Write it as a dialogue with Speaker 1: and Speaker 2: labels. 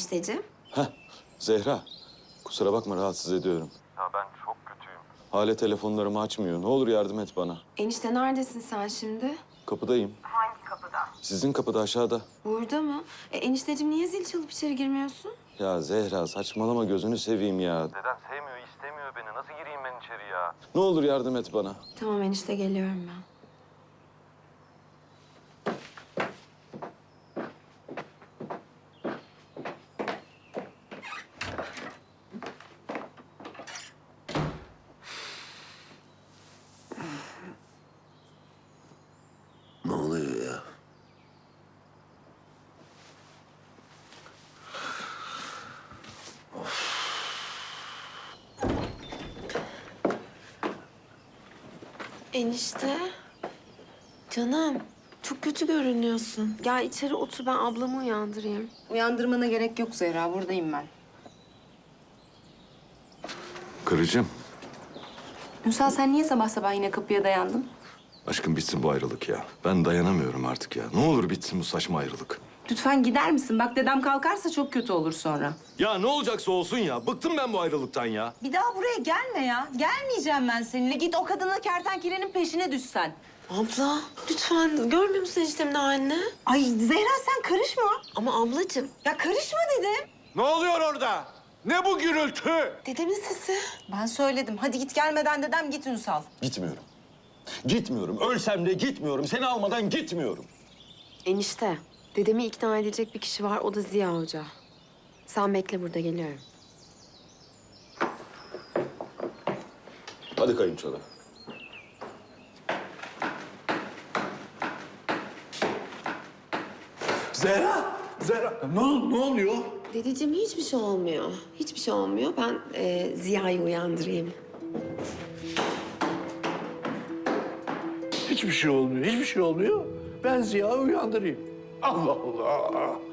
Speaker 1: enişteciğim?
Speaker 2: Heh, Zehra. Kusura bakma rahatsız ediyorum.
Speaker 3: Ya ben çok kötüyüm.
Speaker 2: Hale telefonlarımı açmıyor. Ne olur yardım et bana.
Speaker 1: Enişte neredesin sen şimdi?
Speaker 2: Kapıdayım.
Speaker 1: Hangi kapıda?
Speaker 2: Sizin kapıda aşağıda.
Speaker 1: Burada mı? Enişteciğim niye zil çalıp içeri girmiyorsun?
Speaker 2: Ya Zehra saçmalama gözünü seveyim ya.
Speaker 3: Deden sevmiyor, istemiyor beni. Nasıl gireyim ben içeri ya?
Speaker 2: Ne olur yardım et bana.
Speaker 1: Tamam enişte geliyorum ben.
Speaker 4: Ne oluyor ya?
Speaker 1: Enişte. Canım. Çok kötü görünüyorsun. Gel içeri otur ben ablamı uyandırayım.
Speaker 5: Uyandırmana gerek yok Zehra, buradayım ben.
Speaker 2: Karıcığım.
Speaker 5: Ünsal sen niye sabah sabah yine kapıya dayandın?
Speaker 2: Aşkım bitsin bu ayrılık ya. Ben dayanamıyorum artık ya. Ne olur bitsin bu saçma ayrılık.
Speaker 5: Lütfen gider misin? Bak dedem kalkarsa çok kötü olur sonra.
Speaker 2: Ya ne olacaksa olsun ya. Bıktım ben bu ayrılıktan ya.
Speaker 5: Bir daha buraya gelme ya. Gelmeyeceğim ben seninle. Git o kadına kertenkelenin peşine düşsen.
Speaker 1: Abla lütfen görmüyor musun eniştemin halini?
Speaker 5: Ay Zehra sen karışma.
Speaker 1: Ama ablacığım.
Speaker 5: Ya karışma dedim.
Speaker 3: Ne oluyor orada? Ne bu gürültü?
Speaker 1: Dedemin sesi.
Speaker 5: Ben söyledim. Hadi git gelmeden dedem git Ünsal.
Speaker 2: Gitmiyorum. Gitmiyorum. Ölsem de gitmiyorum. Seni almadan gitmiyorum.
Speaker 1: Enişte. Dedemi ikna edecek bir kişi var o da Ziya Hoca. Sen bekle burada geliyorum.
Speaker 2: Hadi kayınçoda.
Speaker 4: Zehra! Zehra! Ne oluyor?
Speaker 1: Dedeciğim hiçbir şey olmuyor. Hiçbir şey olmuyor. Ben Ziya'yı uyandırayım.
Speaker 4: Hiçbir şey olmuyor, hiçbir şey olmuyor. Ben Ziya'yı uyandırayım. Allah Allah!